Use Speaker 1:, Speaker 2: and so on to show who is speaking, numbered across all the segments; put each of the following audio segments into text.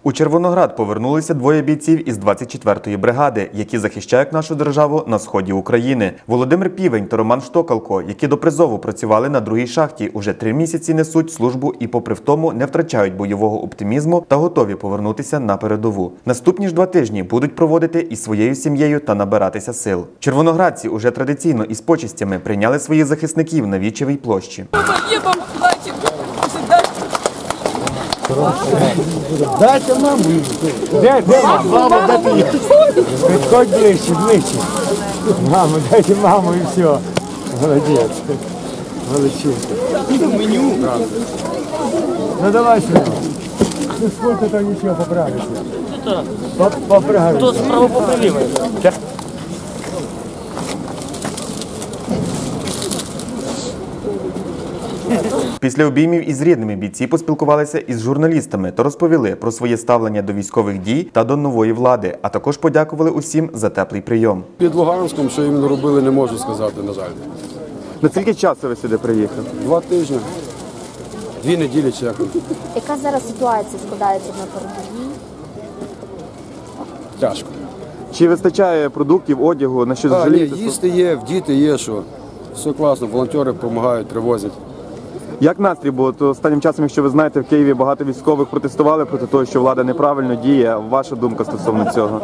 Speaker 1: У Червоноград повернулися двоє бійців із 24-ї бригади, які захищають нашу державу на сході України. Володимир Півень та Роман Штокалко, які до призову працювали на другій шахті, уже 3 місяці несуть службу і попри втому не втрачають бойового оптимізму та готові повернутися на передову. Наступні ж 2 тижні будуть проводити із своєю сім'єю та набиратися сил. Червоноградці уже традиційно із почестями прийняли своїх захисників на Вічевій площі.
Speaker 2: Дайте маму. Де мама? Мама, де ти є? Підходь ближче. Мама, дайте маму і все. Молодець. Молодчинка. Меню. Ну давай сюди. Ну сколько там нічого поправиться? Поправиться.
Speaker 3: Хто справа поправив?
Speaker 1: Після обіймів із рідними бійці поспілкувалися із журналістами та розповіли про своє ставлення до військових дій та до нової влади, а також подякували усім за теплий прийом.
Speaker 4: Під Луганськом, що їм робили, не можу сказати, на жаль.
Speaker 1: На скільки часу ви сюди приїхали?
Speaker 4: 2 тижні, 2 неділі чекали.
Speaker 5: Яка зараз ситуація складається на передовій?
Speaker 4: Тяжко.
Speaker 1: Чи вистачає продуктів, одягу, на що жалієтеся?
Speaker 4: Їсти є, діти є, що все класно, волонтери допомагають, привозять.
Speaker 1: Як настрій? Бо то останнім часом, якщо ви знаєте, в Києві багато військових протестували проти того, що влада неправильно діє. Ваша думка стосовно цього?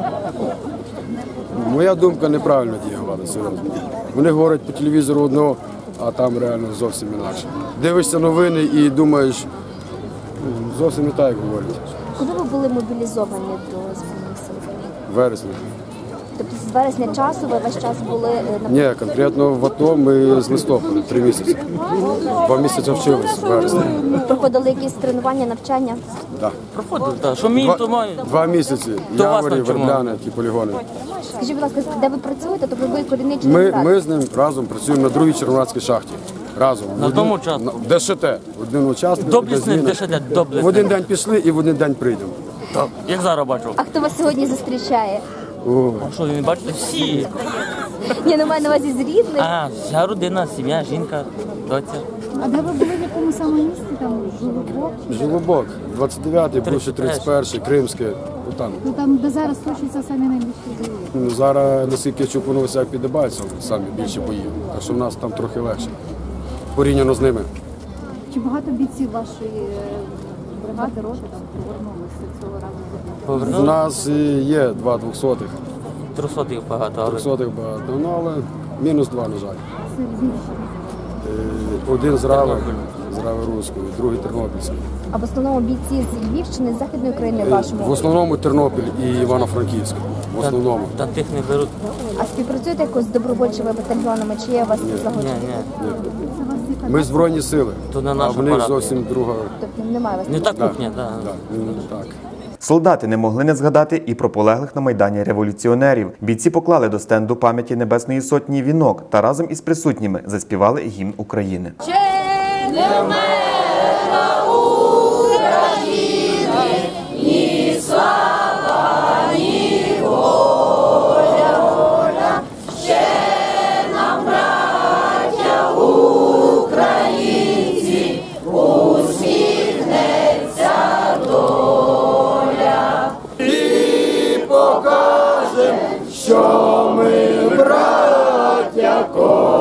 Speaker 4: Моя думка, неправильно діє влада, серйозно. Вони говорять по телевізору одного, а там реально зовсім інакше. Дивишся новини і думаєш, зовсім не так, як говорять.
Speaker 5: Коли ви були мобілізовані до Збройних сил?
Speaker 4: Вересня.
Speaker 5: Тобто з вересня часу ви весь час були на
Speaker 4: Ні, конкретно в АТО ми з листопада, 3 місяці. 2 місяці вчилися в вересні.
Speaker 5: проходили якісь тренування, навчання?
Speaker 4: Так.
Speaker 3: Проходив, так. Що мій, то маю.
Speaker 4: 2 місяці.
Speaker 3: До вас
Speaker 4: Яворі,
Speaker 3: навчимо.
Speaker 4: Вербляни, ті полігони.
Speaker 5: Скажіть, будь ласка, де ви працюєте? Тобто ви корінний
Speaker 4: Ми з ним разом працюємо на другій Червоноградській шахті. Разом.
Speaker 3: На тому участку.
Speaker 4: В ДШТ. Один участок.
Speaker 3: Доблісний
Speaker 4: одна зміна.
Speaker 3: ДШТ, доблісний.
Speaker 4: В один день пішли і в один день прийдемо.
Speaker 3: Так, як зараз бачу.
Speaker 5: А хто вас сьогодні зустрічає?
Speaker 3: Що ви не бачите? Всі.
Speaker 5: Ні, ну маю на увазі з рідних.
Speaker 3: Вся родина, сім'я, жінка, доця.
Speaker 6: А де ви були, в якому саме місці? Там Жолобок?
Speaker 4: Жолобок, 29-й, бувши 31-й, Кримське. Там.
Speaker 6: Ну там, де зараз точаться самі найбільші бої.
Speaker 4: Ну, зараз, наскільки я чув, воно вся підібається, самі більше бої. Так що в нас там трохи легше. Порівняно з ними.
Speaker 6: Чи багато бійців вашої бригади, роти там повернулися цього разу?
Speaker 4: У
Speaker 3: Повернули.
Speaker 4: нас є 2 200-х.
Speaker 3: 300 їх багато, але
Speaker 4: 300-х багато, ну, але мінус 2, на жаль.
Speaker 6: Це більше.
Speaker 4: Один з Рави Руської, другий Тернопільський.
Speaker 5: А в основному бійці з Львівщини, з Західної України
Speaker 4: В
Speaker 5: вашому?
Speaker 4: основному Тернопіль і Івано-Франківськ. В основному.
Speaker 3: та тих не беруть.
Speaker 5: А співпрацюєте якось з добровольчими батальйонами? Чи є у вас загони?
Speaker 3: Ні.
Speaker 4: Ми Збройні сили,
Speaker 3: То не
Speaker 4: а
Speaker 3: наш
Speaker 4: в них
Speaker 3: апарат.
Speaker 4: зовсім друга.
Speaker 5: Тобто немає у вас?
Speaker 3: Не та
Speaker 4: Да.
Speaker 3: кухня, так.
Speaker 4: Да, так.
Speaker 1: Солдати не могли не згадати і про полеглих на Майдані революціонерів. Бійці поклали до стенду пам'яті Небесної Сотні вінок та разом із присутніми заспівали гімн України.
Speaker 4: Що ми, браття,